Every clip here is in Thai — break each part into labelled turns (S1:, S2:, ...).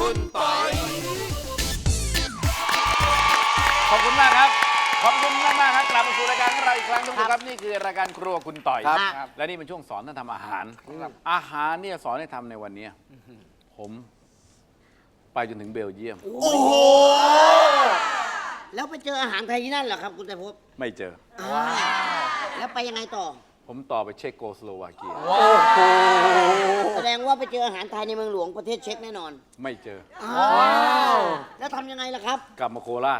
S1: คุณปอย
S2: ขอบคุณมากครับ ขอบคุณมากครับกลับมาสู่รายการของเราอีกครั้งทุกท่านครับนี่คือรายการครัวคุณต่อย
S1: ครับ
S2: และนี่เป็นช่วงสอนท่านทำอาหาร อาหารเนี่ยสอนให้ทำในวันนี้ผมไปจนถึงเบลเยียม
S1: โอ้โห
S3: แล้วไปเจออาหารไทยที่นั่นเหรอครับคุณไตรภพ
S2: ไม่เจอ
S3: แล้วไปยังไงต่อ
S2: ผมต่อไปเช็กโกสโลวาเกีย
S3: แสดงว่าไปเจออาหารไทยในเมืองหลวงประเทศเช็กแน่นอน
S2: ไม่เจอ
S3: แล้วทำยังไงล่ะครับ
S2: กลับมาโคราช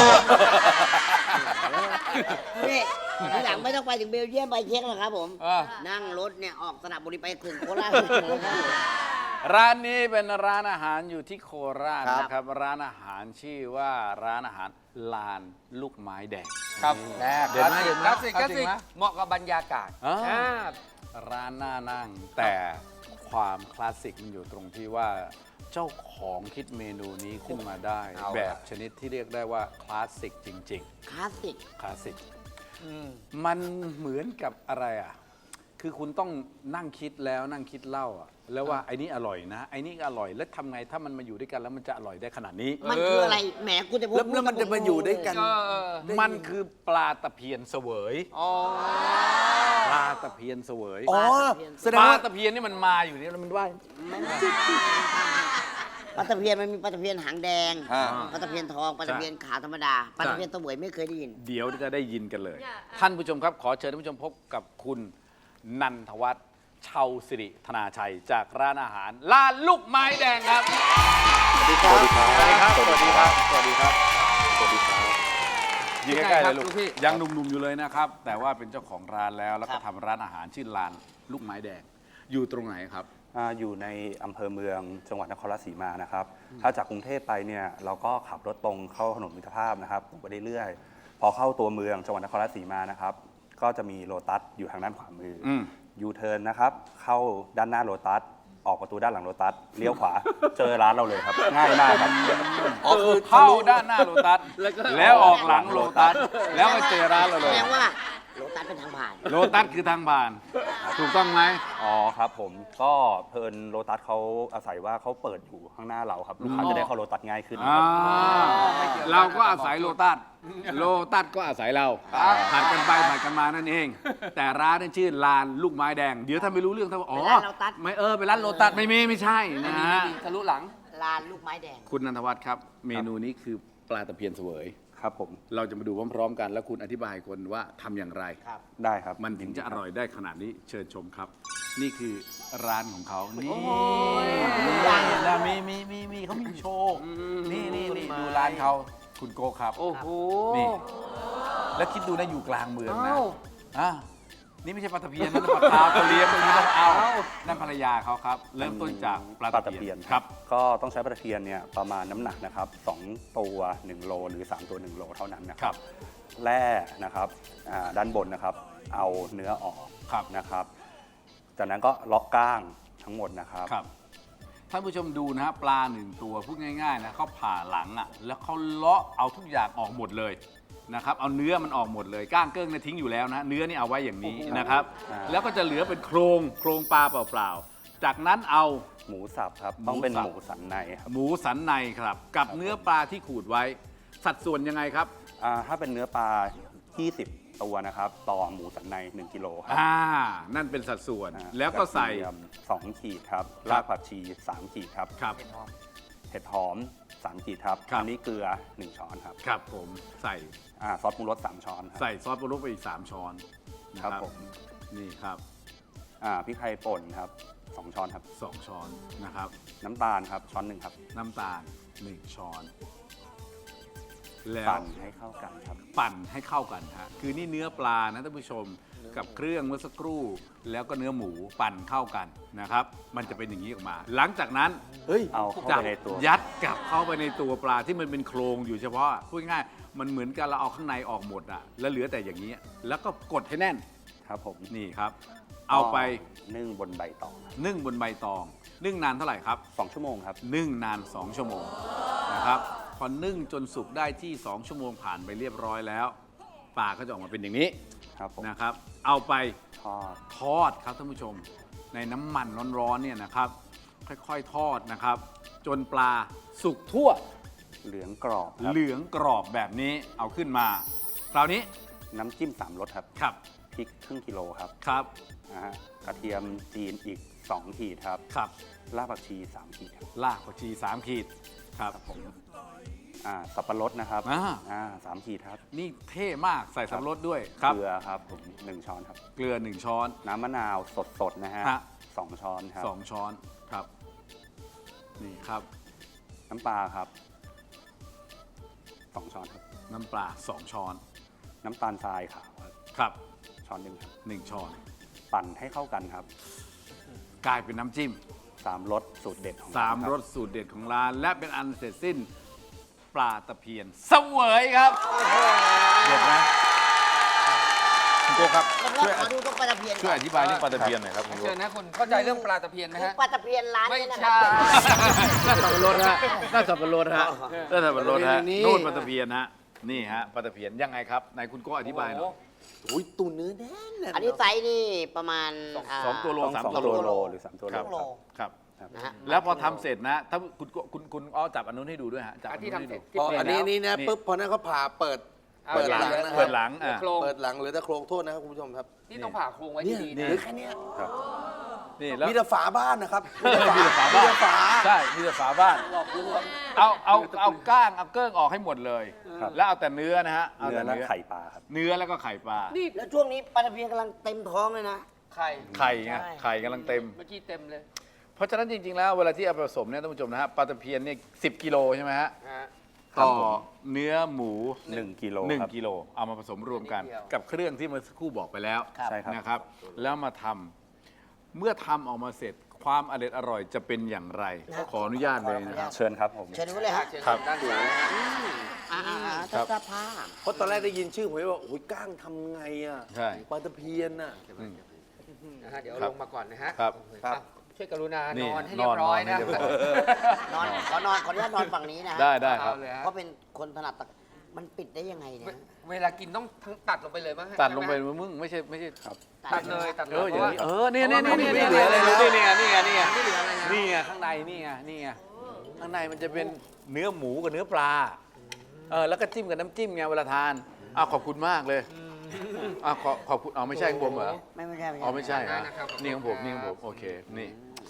S3: นี่ทีหลังไม่ต้องไปถึงเบลเยียมไปเช็กหรอกครับผม
S2: อ่า
S3: นั่งรถเนี่ยออกสระบุรีไปถึงโคราช
S2: ร้านนี้เป็นร้านอาหารอยู่ที่โคราช
S1: ครับ
S2: นะครับ ร้านอาหารชื่อว่าร้านอาหารลานลูกไม้แดง
S1: ครับ
S2: เด่นไหมเด่นไหม
S1: คลาสสิกคลาส
S2: จริ
S1: สิ
S2: ง
S1: ก
S2: ไหม
S1: เหมาะกับบรรยากาศ
S2: อ่า
S1: อ่า
S2: ร้านน่านั่งแต่ความคลาสสิกมันอยู่ตรงที่ว่าเจ้าของคิดเมนูนี้ขึ้นมาได้
S1: เอาล่ะ
S2: แบบชนิดที่เรียกได้ว่าคลาสสิกจริง
S3: คลาสสิก
S2: ๆ คลาสสิกมันเหมือนกับอะไรอ่ะ คือคุณต้องนั่งคิดแล้วนั่งคิดเล่าอ่ะแล้วว่าไอ้นี่อร่อยนะไอ้นี่อร่อยแล้วทำไงถ้ามันมาอยู่ด้วยกันแล้วมันจะอร่อยได้ขนาดนี้
S3: มันคืออะไรแหมคุณไตรภพ
S4: แล้วมันจะมาอยู่ด้วยกัน
S2: มันคือปลาตะเพียนเสวย
S1: อ๋อ
S2: ปลาตะเพียนเสวย
S4: อ๋อ แสด
S2: ป
S4: ง
S2: ลา
S4: ว่า
S2: ตะเพียนนี่มันมาอยู่นี่แล้วมันว่าย
S3: ปลาตะเพียนมันมีปลาตะเพียนหางแดง
S4: อ่า
S3: ปลาตะเพียนทองปลาตะเพียนขาวธรรมดาปลาตะเพียนเสวยไม่เคยได้ยิน
S2: เดี๋ยวจะได้ยินกันเลย ท่านผู้ชมครับ ขอเชิญท่านผู้ชมพบกับคุณนันทวัฒน์เชาสิริธนาชัย จากร้านอาหารลานลูกไม้แดงครับ
S4: สวัสดีครับ
S2: สวัสดีครับ สวัสดีครับ สวัสดีครับ
S4: สวัสดีครับ
S2: ยิงใกล้ๆเลยลูก
S1: พี่
S2: ยังหนุ่มๆอยู่เลยนะครับ แต่ว่าเป็นเจ้าของร้านแล้ว แล้วก็
S3: ครับ
S2: ทำร้านอาหารชื่อลานลูกไม้แดง อยู่ตรงไหนครับ
S5: อยู่ในอำเภอเมืองจังหวัดนครราชสีมานะครับ ถ้าจากกรุงเทพไปเนี่ยเราก็ขับรถตรงเข้าถนนมิตรภาพนะครับตรงไปเรื่อยๆพอเข้าตัวเมืองจังหวัดนครราชสีมานะครับ ก็จะมีโลตัสอยู่ทางด้านขวามืออ
S2: ม
S5: ยูเทิร์นนะครับ เข้าด้านหน้าโลตัส ออกประตูด้านหลังโลตัส เลี้ยวขวา เจอร้านเราเลยครับ ง่ายมากครับ
S2: อ๋อคือเข้าด้านหน้าโลตัส แล้วออกหลังโลตัส แล้วก็เจอร้านเรา
S3: แส
S2: เลย
S3: ดงว่าโลตัสเป็นทางผ่าน
S2: โลตัสคือทางผ่าน ถูกต้องไหม
S5: อ๋อครับผม ก็เพลินโลตัสเขาอาศัยว่าเขาเปิดอยู่ข้างหน้าเราครับ ลูกค้าจะได้เข้าโลตัสง่ายขึ้นครับ
S2: เราก็อาศัยโลตัส โลตัสก็อาศัยเราผัดกันไปผัดกันมานั่นเอง แต่ร้านนี่ชื่อลานลูกไม้แดง เดี๋ยวถ้าไม่รู้เรื่องถ้าว่าอ๋อ
S3: เป็นร้านโลตัส
S2: ไม่เป็นร้านโลตัสไม่ใช่นะฮะ
S1: ทะลุหลัง
S3: ลานลูกไม้แดง
S2: คุณนันทวัฒน์ครับ เมนูนี้คือปลาตะเพียนเสวย
S5: ครับผม
S2: เราจะมาดูพร้อมๆกัน แล้วคุณอธิบายคนว่าทำอย่างไร
S5: ได้ครับ
S2: มันถึงจะอร่อยได้ขนาดนี้เชิญชมครับ นี่คือร้านของเขานี่แล้วมีเขามีโชว์นี่ดูร้านเขาคุณโกครับ
S1: โอ้โห
S2: นี่ แล้วคิดดูนะอยู่กลางเมืองนะ
S1: อ้าว
S2: อ่ะนี่ไม่ใช่ปลาตะเพียนนั่นปลาคาร์ฟเขาเลี้ยงตรงนี้ต้องเอานั่นภรรยาเขาครับ เริ่มต้นจากปลาตะเพียนครับ
S5: ก็ต้องใช้ปลาตะเพียนเนี่ยประมาณน้ำหนักนะครับ2ตัว1โลหรือ3ตัว1โลเท่านั้นนะค
S2: ครั
S5: รับบ แร่นะครับด้านบนนะครับเอาเนื้อออก
S2: ครับ
S5: นะครับจากนั้นก็เลาะก้างทั้งหมดนะครับ
S2: ครับท่านผู้ชมดูนะฮะปลาหนึ่งตัวพูดง่ายๆนะเขาผ่าหลังอ่ะแล้วเขาเลาะเอาทุกอย่างออกหมดเลยนะครับเอาเนื้อมันออกหมดเลยก้างเกิ้งเนี่ยทิ้งอยู่แล้วนะเนื้อนี่เอาไว้อย่างนี้นะครับ แล้วก็จะเหลือเป็นโครงปลาเปล่าๆจากนั้นเอา
S5: หมูสับครับต้องเป็น
S2: หมูสับ
S5: หมูสันในครับ
S2: หมูสันในครับ กับเนื้อปลาที่ขูดไว้ สัดส่วนยังไงครับ
S5: ถ้าเป็นเนื้อปลา 20 ตัวนะครับต่อหมูสันใน1กิโลครับ
S2: นั่นเป็นสัดส่วน
S5: อ่า
S2: แล้วก็ใส่
S5: กระเทียม2ขีดครับ
S2: ครับ
S5: รากผักชี3ขีดครับ
S2: ครับ
S5: เห็ดหอม3ขีดครับ
S2: ครับ
S5: อันี้เกลือ1ช้อนครับ
S2: ครับผมใส่
S5: ซอสปรุงรส3ช้อนครับ
S2: ใส่ซอสปรุงรสไปอีก3ช้อนนะครับ
S5: ผม
S2: นี่ครับ
S5: พริกไทยป่นครับ2ช้อนครับ
S2: 2 ช้อนนะครับ
S5: น้ำตาลครับช้อนหนึ่งครับ
S2: น้ำตาล1 ช้อน แล้ว
S5: ปั่นให้เข้ากันครับ
S2: ปั่นให้เข้ากันฮะคือนี่เนื้อปลานะท่านผู้ชมกับเครื่องเมื่อสักครู่ แล้วก็เนื้อหมูปั่นเข้ากันนะครับ มันจะเป็นอย่างนี้ออกมา หลังจากนั้น
S4: เฮ้ย
S5: เอาเข้า
S2: จะ
S5: ไปในตัว
S2: ยัดกลับเข้าไปในตัวปลาที่มันเป็นโครงอยู่เฉพาะพูดง่ายๆมันเหมือนกันเราเอาข้างในออกหมดอะแล้วเหลือแต่อย่างนี้ แล้วก็กดให้แน่น
S5: ครับผม
S2: นี่ครับ เอาไป
S5: นึ่งบนใบตองครับ
S2: นึ่งบนใบตอง นึ่งนานเท่าไหร่ครับ
S5: 2 ชั่วโมงครับ
S2: นึ่งนาน 2 ชั่วโมงนะครับพอนึ่งจนสุกได้ที่ 2 ชั่วโมงผ่านไปเรียบร้อยแล้วปลาก็จะออกมาเป็นอย่างนี้
S5: ครับผม
S2: นะครับ เอาไป
S5: ทอด
S2: ทอดครับท่านผู้ชมในน้ำมันร้อนๆเนี่ยนะครับ ค่อยๆทอดนะครับจนปลาสุกทั่ว
S5: เหลืองกรอบครับ
S2: เหลืองกรอบแบบนี้เอาขึ้นมา คราวนี้
S5: น้ำจิ้ม3รสครับ
S2: ครับ
S5: พริกครึ่งกิโลครับ
S2: ครับ
S5: นะฮะกระเทียมจีนอีก2ขีดครับ
S2: ครับ
S5: รากผักชี3ขีดครับ
S2: รากผักชี3 ขีดครับ
S5: ผมสับปะรดนะครับ 3 ขีดครับ
S2: นี่เท่มากใส่สับปะรดด้วยครับ
S5: เกลือครับผม1ช้อนครับ
S2: เกลือ1 ช้อน
S5: น้ำมะนาวสดๆนะฮะ
S2: ฮะ
S5: 2ช้อนครับ
S2: 2 ช้อนครับ นี่ครับ
S5: น้ำปลาครับ2ช้อนครับ
S2: น้ำปลา2 ช้อน
S5: น้ำตาลทรายขาวครับ
S2: ครับ
S5: ช้อนหนึ่งครับ
S2: 1 ช้อน
S5: ปั่นให้เข้ากันครับ
S2: กลายเป็นน้ำจิ้ม
S5: 3รสสูตรเด็ดของ
S2: สาม
S5: คบ
S2: รสสูตรเด็ดของร้าน และเป็นอันเสร็จสิ้นปลาตะเพียนเสวยครับเด็ดไหมคุณโก้ครับ
S3: แล้วก็ขอดูตรงปลาตะเพียน
S2: ช่วยอธิบายเรื่องปลาตะเพียนหน่อยครับคุณโก้
S1: เชิญนะคุณเข้าใจเรื่องปลาตะเพียนไหม
S3: คือ
S1: ฮะ
S3: ปลาตะเพียนร้าน
S1: ไม่
S3: นี้นะค
S1: ใช่
S3: รับ
S2: น่าสับปะรดฮะน่าสับปะรดฮะน่าสับปะรดฮะ
S4: นี่
S2: นู่นปลาตะเพียนฮะนี่ฮะปลาตะเพียนยังไงครับไหนคุณโก้อธิบายหน่อย
S4: โอ้ยตุ่นเนื้อแน่น
S3: อันนี้ไซส์นี่ประมาณ
S2: สองตัวโล
S5: ต้อง
S2: สาม
S5: 2
S2: ตัว
S5: ตัว
S2: โล
S5: โลหรือ3ตัวโล
S3: สองโล
S2: ครับ
S3: นะฮะ
S2: แล้วพอทำเสร็จนะถ้าคุณอ้อจับอันนู้นให้ดูด้วยฮะจับ
S1: อันที่
S2: อันนู้น
S1: ทำ
S2: ให้
S1: เสร็
S2: ดู
S1: จที่
S4: พอ
S1: เปลี่ย
S4: อั
S1: น
S4: นนี้
S1: แล้ว
S4: นี่นะ
S2: นี่
S4: ปุ๊บพอนั้นเขาผ่าเปิด
S1: เปิด
S4: หลังนะค
S2: เปิ
S4: รับ
S2: ดหลัง
S1: โครง
S4: เปิดหลังเหรือแต่โครงโทษนะครับคุณผู้ชมครับ
S1: นี่ต้องผ่าโครงไว้
S4: เนี่ย
S1: ดีๆ
S4: เห
S1: นะ
S4: รือแค่เนี้ย
S5: ครับ
S2: นี่แล้ว
S4: มีแต่ฝาบ้านนะครับ
S2: มีแต่ฝาบ้าน
S4: มีแต่ฝา
S2: ใช่มีแต่ฝาบ้านเอาก้างเอาเกิ้งออกให้หมดเลย
S5: ครับ
S2: แล้วเอาแต่เนื้อนะฮะเอา
S5: เนื้อ
S2: แต่
S5: และไข่ปลาครับ
S2: เนื้อแล้วก็ไข่ปลา
S1: นี่
S3: แล้วช่วงนี้ปลาตะเพียนกำลังเต็มท้องเลยนะ
S1: ไข่
S2: ไข่ไง
S3: ใช่
S2: ไข่กำลังเต็ม
S1: เมื่อกี้เต็มเลย
S2: เพราะฉะนั้นจริง ๆ แล้วเวลาที่เอาไปผสมเนี่ยท่านผู้ชมนะฮะปลาตะเพียนเนี่ย10 กิโลใช่ไหมฮะ
S1: ฮะ
S2: ต่อเนื้อหมู
S5: 1 กิโล
S2: หนึ่ง
S5: ครับ
S2: กิโลเอามาผสมรวมกัน
S1: นิดเดียว
S2: กับเครื่องที่เมื่อสักครู่บอกไปแล้ว
S5: ใช่ครับ
S2: นะครับ แล้วมาทำเมื่อทำออกมาเสร็จความอร่อยจะเป็นอย่างไร ขออนุญาตเลยนะครับ
S5: เชิญครับผม
S3: เชิญดูเลยฮะ
S1: เชิญ
S2: ครับ
S1: ด้านซ้ายนะฮะ
S2: ครับ
S3: เสื้อผ้า
S4: เพราะตอนแรกได้ยินชื่อผมว่าโอ้ยก้างทำไงอ่ะ
S2: ใช่
S4: ปลาตะเพียนน่ะ
S1: นะฮะเดี๋ยว
S2: ครับ
S1: ลงมาก่อนนะฮะ
S2: ครับ
S4: ครับ
S1: ช่วยกรุณา
S2: นี่
S1: นอนให้เรียบร้อย
S2: นอนให้
S1: นะ
S2: เรียบร้อย
S3: ขออนุญาตนอนฝั่งนี้นะฮะ
S2: ได้ครับ
S1: เอาเลยฮะ
S3: เพราะเป็นคนถนัดมันปิดได้ยังไงเนี่ย
S1: เวลากินต้องทั้งตัดลงไปเลยมั้งฮะ
S2: ตัดลงไป
S1: ใช่หม
S2: มึงไม่ใช่
S5: ครับ
S1: ตัดเลยตัดเล
S2: เอย ออย่างนี้
S1: พระ
S2: เนี่ย
S1: ไม่เหลืออะไรเลย
S2: นี่ไงนี่ไงนี่ไง
S1: ไม่เหลืออะไรนะ
S2: นี่ไงข้างในนี่ไงนี่ไงข้างในมันจะเป็นเนื้อหมูกับเนื้อปลาแล้วก็จิ้มกับน้ำจิ้มไงเวลาทานขอบคุณมากเลยขอบคุณไม่ใช่ของผมเหรอ
S3: ไม่ใช่
S2: อ๋อไม่ใช่ฮะ
S1: นะครับ
S2: นี่ของผมนี่ของผมโอเคนี่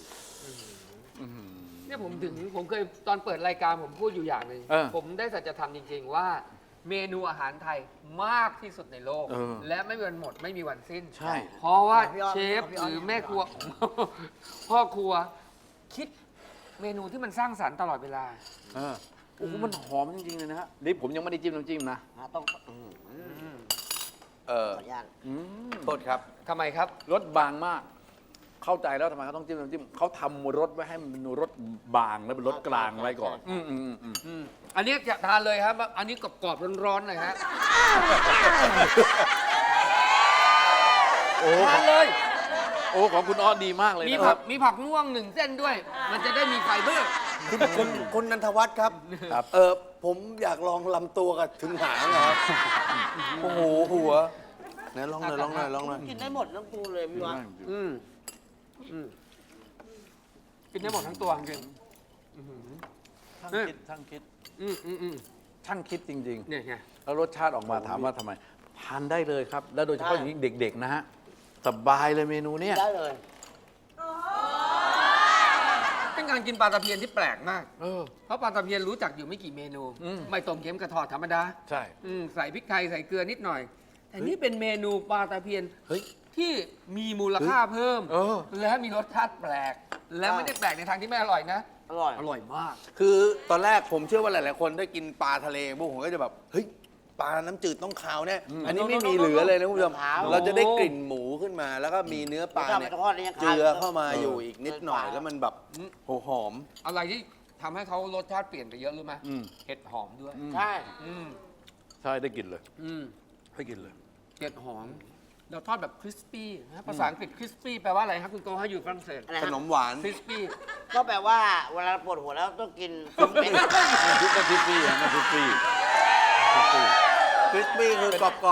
S1: เนี่ยผมเคยตอนเปิดรายการผมพูดอยู่อย่างหนึ่ง
S2: เออ
S1: ผมได้สัจธรรมจริง ๆ ว่าเมนูอาหารไทยมากที่สุดในโลก
S2: เออ
S1: และไม่มีวันหมดไม่มีวันสิ้น
S2: ใช่
S1: เพราะว่า
S3: พี่อ้อม
S1: เชฟ
S3: พี่อ้อม
S1: หรือแม่ครัว พ่อครัว คิดเมนูที่มันสร้างสรรค์ตลอดเวลา
S2: โอ้โหมันหอมจริงๆเลยนะฮะนี่ผมยังไม่ได้จิ้มน้ำจิ้มนะ
S3: ต้องขอ
S4: เออ
S3: อนุญาต
S4: โทษครับ
S1: ทำไมครับ
S2: รสบางมาก เข้าใจแล้วทำไมเขาต้องจิ้มน้ำจิ้มเขาทำรสไว้ให้มันเป็นรสบางแล้วเป็นรสกลางไว้ก่อน
S1: อันนี้จะทานเลยครับ อันนี้กรอบๆร้อนๆเลยฮะ
S2: โอ้
S1: ทานเลย
S2: โอ้ของคุณอ้อดีมากเลย
S1: มี
S2: นะค
S1: ผั
S2: รั
S1: ก
S2: บ
S1: มีผักม่วง1 เส้นด้วย มันจะได้มีไฟเบอร์
S4: คุณนันทวัฒน์ครับ
S5: ครับ
S4: ผมอยากลองลำตัวกับถึงหางนะครับ โอ้โหหัวไหนลองหน่อยลองหน่อยลองหน่อย
S3: กินได้หมดทั้งตัวเลยพี่วัด
S1: กินได้หมดทั้งตัวจริง
S2: ช่างคิด
S1: ๆอืม
S2: ช่างคิดจริง
S1: เนี่ยไง
S2: ๆ แล้วรสชาติออกมาถามว่าทำไม ทานได้เลยครับ แล้วโดยเฉพาะอย่างนี้เด็กๆนะฮะสบายเลยเมนูเนี้ย
S3: ได้เลย
S1: เป็นการกินปลาตะเพียนที่แปลกมาก
S2: เออ
S1: เพราะปลาตะเพียนรู้จักอยู่ไม่กี่เมนู ไม่ต้มเค็มกระทอดธรรมดา
S2: ใช่
S1: ใส่พริกไทยใส่เกลือนิดหน่อย แต่นี่เป็นเมนูปลาตะเพียน
S4: เฮ้ย
S1: ที่มีมูลค่าเพิ่ม
S2: เออ
S1: และมีรสชาติแปลก และไม่ได้แปลกในทางที่ไม่อร่อยนะ
S3: อร่อย
S1: อร่อยมาก
S4: คือตอนแรกผมเชื่อว่าหลาย ๆ คนได้กินปลาทะเลพวกผมก็จะแบบ เฮ้ย ปลาน้ำจืดต้องขาวแน่อันนี้ไม่มีเหลือเลยนะคุณผู้ชม
S3: ขาว
S4: เราจะได้กลิ่นหมูขึ้นมา แล้วก็มีเนื้อปลาเนี่ย
S3: ทอดแล้วยังขาว
S4: เจือเข้ามาอยู่อีกนิดหน่อย แล้วมันแบบโหหอม
S1: อะไรที่ทำให้เขารสชาติเปลี่ยนไปเยอะรู้ไหม
S2: อืม
S1: เห็ดหอมด้วย
S3: ใช่
S1: อืม
S2: ใช่ได้กินเลย
S1: อืม
S2: ได้กินเลย
S1: เห็ดหอม เราทอดแบบคริสปี้นะภาษาอังกฤษคริสปี้แปลว่าอะไรครับคุณโกให้อยู่ฝรั่งเศส
S3: อะไร
S4: ข
S3: ฮะ
S4: นมหวาน
S1: คริสปี้
S3: ก็แปลว่าเวลาปวดหัวแล้วต้องกินเป็น
S2: ทิปปี้ฮะทิปปี้
S4: คริสปี้คือกรอบ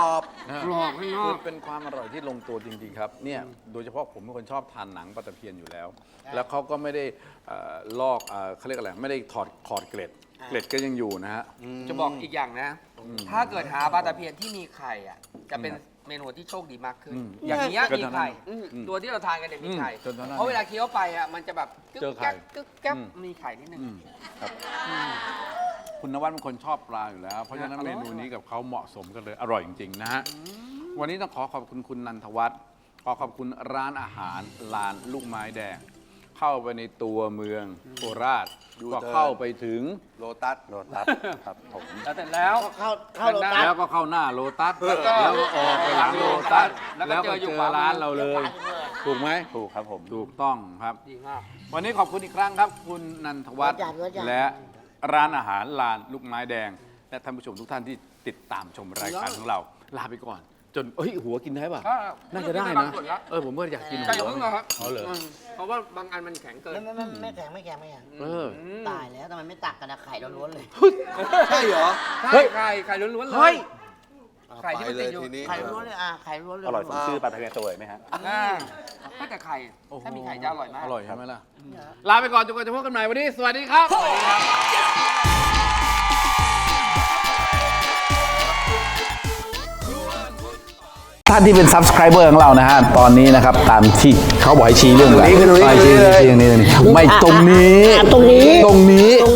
S1: กรอบข้างนอ
S2: คื
S1: ก
S2: อเป็นความอร่อยที่ลงตัวจริงๆครับเนี่ยโดยเฉพาะผมเป็นคนชอบทานหนังปลาตะเพียนอยู่แล้ว แล้วเขาก็ไม่ได้ลอกเขาเรียกอะไรไม่ได้ขอดเกล็ดก็ยังอยู่นะฮะ
S1: จะบอกอีกอย่างนะ ถ้าเกิดหาปลาตะเพียนที่มีไข่อ่ะ จะเป็นเมนูที่โชคดีมากขึ้น อย่างนี้ยมีไข่ ตัวที่เราทานกันเนี่ยมีไข่
S2: จนตอนนั้น
S1: เพราะเวลาเคี้ยวไปอ่ะ มันจะแบบกึ๊
S2: เจ
S1: ก
S2: อไข่
S1: แก๊กกึ๊กแก๊กมีไข่นิดนึง
S2: ครับคุณนวัดเป็นคนชอบปลาอยู่แล้ว เพราะฉะนั้น
S1: อร่
S2: เม
S1: อย
S2: นูนี้กับเขาเหมาะสมกันเลย อร่อยจริงๆนะฮะ วันนี้ต้องขอขอบคุณคุณนันทวัฒน์ขอขอบคุณร้านอาหารลานลูกไม้แดง เข้าไปในตัวเมืองโคราช
S4: ยู
S2: ก็
S4: เทิร์น
S2: เข้าไปถึง
S4: โลตัส
S5: โลตัสครับผม
S1: แล้วเสร็จแล้ว
S3: เข้าโลตัส
S2: แล้วก็เข้าหน้าโลตัส
S1: แล้วก็
S2: แล้วก็ออกไปหลังโลตัส
S1: แล้วก็
S2: แล้ว
S1: เจ
S2: ก็
S1: ออยู่
S2: เจอ
S1: ขวามือ
S2: ร้านเราเลย ถูกไหม
S5: ถูกครับผม
S2: ถูกต้องครับ
S1: ดีมาก
S2: วันนี้ขอบคุณอีกครั้งครับ คุณนันทวัฒน์
S3: หัวจัด
S2: และร้านอาหารลานลูกไม้แดง และท่านผู้ชมทุกท่านที่ติดตามชมรายการของเรา ลาไปก่อน จนหัวกินได้ป่ะ น่าจะได้
S1: บาง
S2: นะ
S1: ส่วนละ
S2: ผมก็อยากกินหั
S1: ไก่
S2: ว
S1: อย่าเพิ่งนะครับ
S2: เอาเลย
S1: เพราะว่าบางอันมันแข็งเกิน
S3: ไม่แข็งไม่แข็ง ตายแล้วทำไมไม่ตักกันนะไข่ล้วนๆเลย
S4: ใช่เหรอ
S1: ใช่ไข่ล้วนๆเลย ไข่ที่
S4: ไป
S1: มัน
S4: เล
S1: ติ
S4: ย
S1: ดอยู่
S4: ทีนี้
S3: ไข่ล้วนๆเลยไข่ล้วนๆเลย
S5: อร่อยสมชื่อปลาตะเพียนเสวยไหมฮะ
S1: ก็แต่ไข่ถ้ามีไข่จะอร่อยมาก
S2: อร่อยใช่ไหมล่ะ ลาไปก่อนจนกว่าจะพบกันใหม่วันนี้ สวัสดีครับ ท่านที่เป็น subscriber ของเรานะฮะ ตอนนี้นะครับ ตามที่เขาบอกให้ชี้เรื่องอะไร
S4: ตรงนี้
S2: ชี้เรื่องนี้ ไม่ตรงนี้
S3: ตรงนี้
S2: ตรงนี้